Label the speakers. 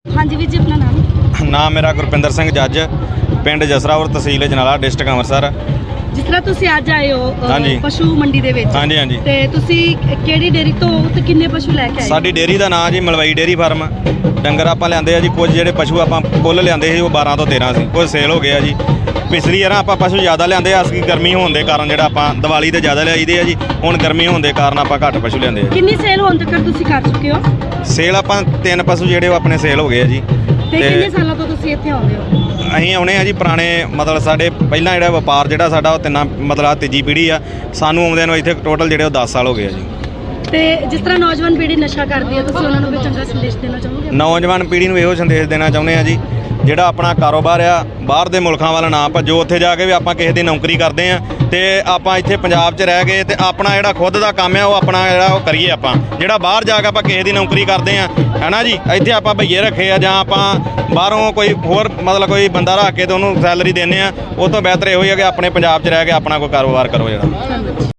Speaker 1: हाँ जी वीर जी, अपना नाम?
Speaker 2: ਨਾਮ ਮੇਰਾ ਗੁਰਪਿੰਦਰ ਸਿੰਘ ਜੱਜ, ਪਿੰਡ ਜਸਰਾਵਰ, ਤਹਿਸੀਲ ਜਨਾਲਾ, ਡਿਸਟ੍ਰਿਕਟ ਅੰਮ੍ਰਿਤਸਰ।
Speaker 1: ਜਿਸ ਤਰ੍ਹਾਂ ਤੁਸੀਂ ਅੱਜ ਆਏ ਹੋ
Speaker 2: ਹਾਂਜੀ।
Speaker 1: ਪਸ਼ੂ ਮੰਡੀ ਦੇ ਵਿੱਚ,
Speaker 2: ਹਾਂਜੀ ਹਾਂਜੀ।
Speaker 1: ਤੇ ਤੁਸੀਂ ਕਿਹੜੀ ਡੇਅਰੀ ਤੋਂ ਤੇ ਕਿੰਨੇ ਪਸ਼ੂ ਲੈ ਕੇ ਆਏ?
Speaker 2: ਸਾਡੀ ਡੇਅਰੀ ਦਾ ਨਾਂ ਜੀ ਮਲਵਈ ਡੇਅਰੀ ਫਾਰਮ। ਡੰਗਰ ਆਪਾਂ ਲਿਆਂਦੇ ਆ ਜੀ, ਕੁਝ ਜਿਹੜੇ ਪਸ਼ੂ ਆਪਾਂ ਕੁੱਲ ਲਿਆਂਦੇ ਸੀ ਉਹ 12 ਤੋਂ 13 ਸੀ, ਕੁਝ ਸੇਲ ਹੋ ਗਿਆ ਜੀ। ਪਿਛਲੀ ਵਾਰ ਆਪਾਂ ਪਸ਼ੂ ਜ਼ਿਆਦਾ ਲਿਆਂਦੇ ਆ, ਅਸੀਂ ਗਰਮੀ ਹੋਣ ਦੇ ਕਾਰਨ ਜਿਹੜਾ ਆਪਾਂ ਦੀਵਾਲੀ ਤੇ ਜ਼ਿਆਦਾ ਲਿਆਈਦੇ ਆ ਜੀ, ਹੁਣ ਗਰਮੀ ਹੋਣ ਦੇ ਕਾਰਨ ਆਪਾਂ ਘੱਟ ਪਸ਼ੂ ਲਿਆਂਦੇ ਆ।
Speaker 1: ਕਿੰਨੀ ਸੇਲ ਹੋਣ ਤੱਕ ਤੁਸੀਂ ਕਰ ਚੁੱਕੇ ਹੋ?
Speaker 2: ਸੇਲ ਆਪਾਂ 3 ਪਸ਼ੂ ਜਿਹੜੇ ਉਹ ਆਪਣੇ ਸੇਲ ਹੋ ਗਏ ਆ ਜੀ।
Speaker 1: ਤੇ ਕਿੰਨੇ ਸਾਲਾਂ ਤੋਂ ਤੁਸੀਂ ਇੱਥੇ ਆਉਂਦੇ ਹੋ?
Speaker 2: ਅਸੀਂ ਆਉਣੇ ਆ ਜੀ ਪੁਰਾਣੇ, ਮਤਲਬ ਸਾਡੇ ਪਹਿਲਾਂ ਜਿਹੜਾ ਵਪਾਰ ਜਿਹੜਾ ਸਾਡਾ ਉਹ ਤਿੰਨਾਂ ਮਤਲਬ ਤੀਜੀ ਪੀੜ੍ਹੀ ਆ। ਸਾਨੂੰ ਆਉਂਦਿਆਂ ਨੂੰ ਇੱਥੇ ਟੋਟਲ ਜਿਹੜੇ ਉਹ 10 ਸਾਲ ਹੋ ਗਏ ਆ ਜੀ।
Speaker 1: ਤੇ ਜਿਸ ਤਰ੍ਹਾਂ ਨੌਜਵਾਨ ਪੀੜ੍ਹੀ ਨਸ਼ਾ ਕਰਦੀ ਹੈ, ਤੁਸੀਂ ਉਹਨਾਂ ਨੂੰ ਵੀ ਚੰਗਾ ਸੰਦੇਸ਼ ਦੇਣਾ ਚਾਹੋਗੇ?
Speaker 2: ਨੌਜਵਾਨ ਪੀੜ੍ਹੀ ਨੂੰ ਇਹੋ ਸੰਦੇਸ਼ ਦੇਣਾ ਚਾਹੁੰਦੇ ਆ ਜੀ, ਜਿਹੜਾ ਆਪਣਾ ਕਾਰੋਬਾਰ ਆ ਬਾਹਰ ਦੇ ਮੁਲਕਾਂ ਵੱਲ ਨਾ ਭੱਜੋ। ਉੱਥੇ ਜਾ ਕੇ ਵੀ ਆਪਾਂ ਕਿਸੇ ਦੀ ਨੌਕਰੀ ਕਰਦੇ ਆ ਤੇ ਆਪਾਂ ਇੱਥੇ ਪੰਜਾਬ 'ਚ ਰਹਿ ਗਏ ਤੇ ਆਪਣਾ ਜਿਹੜਾ ਖੁਦ ਦਾ ਕੰਮ ਆ ਉਹ ਆਪਣਾ ਜਿਹੜਾ ਉਹ ਕਰੀਏ। ਆਪਾਂ ਜਿਹੜਾ ਬਾਹਰ ਜਾ ਕੇ ਆਪਾਂ ਕਿਸੇ ਦੀ ਨੌਕਰੀ ਕਰਦੇ ਆ, ਹੈ ਨਾ ਜੀ, ਇੱਥੇ ਆਪਾਂ ਭਈਏ ਰੱਖੇ ਆ ਜਾਂ ਆਪਾਂ ਬਾਹਰੋਂ ਕੋਈ ਹੋਰ ਮਤਲਬ ਕੋਈ ਬੰਦਾ ਰੱਖ ਕੇ ਤੇ ਉਹਨੂੰ ਸੈਲਰੀ ਦਿੰਦੇ ਆ। ਉਹ ਤੋਂ ਬਿਹਤਰ ਇਹੋ ਹੀ ਆ ਕਿ ਆਪਣੇ ਪੰਜਾਬ 'ਚ ਰਹਿ ਕੇ ਆਪਣਾ ਕੋਈ ਕਾਰੋਬਾਰ ਕਰੋ ਜਿਹੜਾ।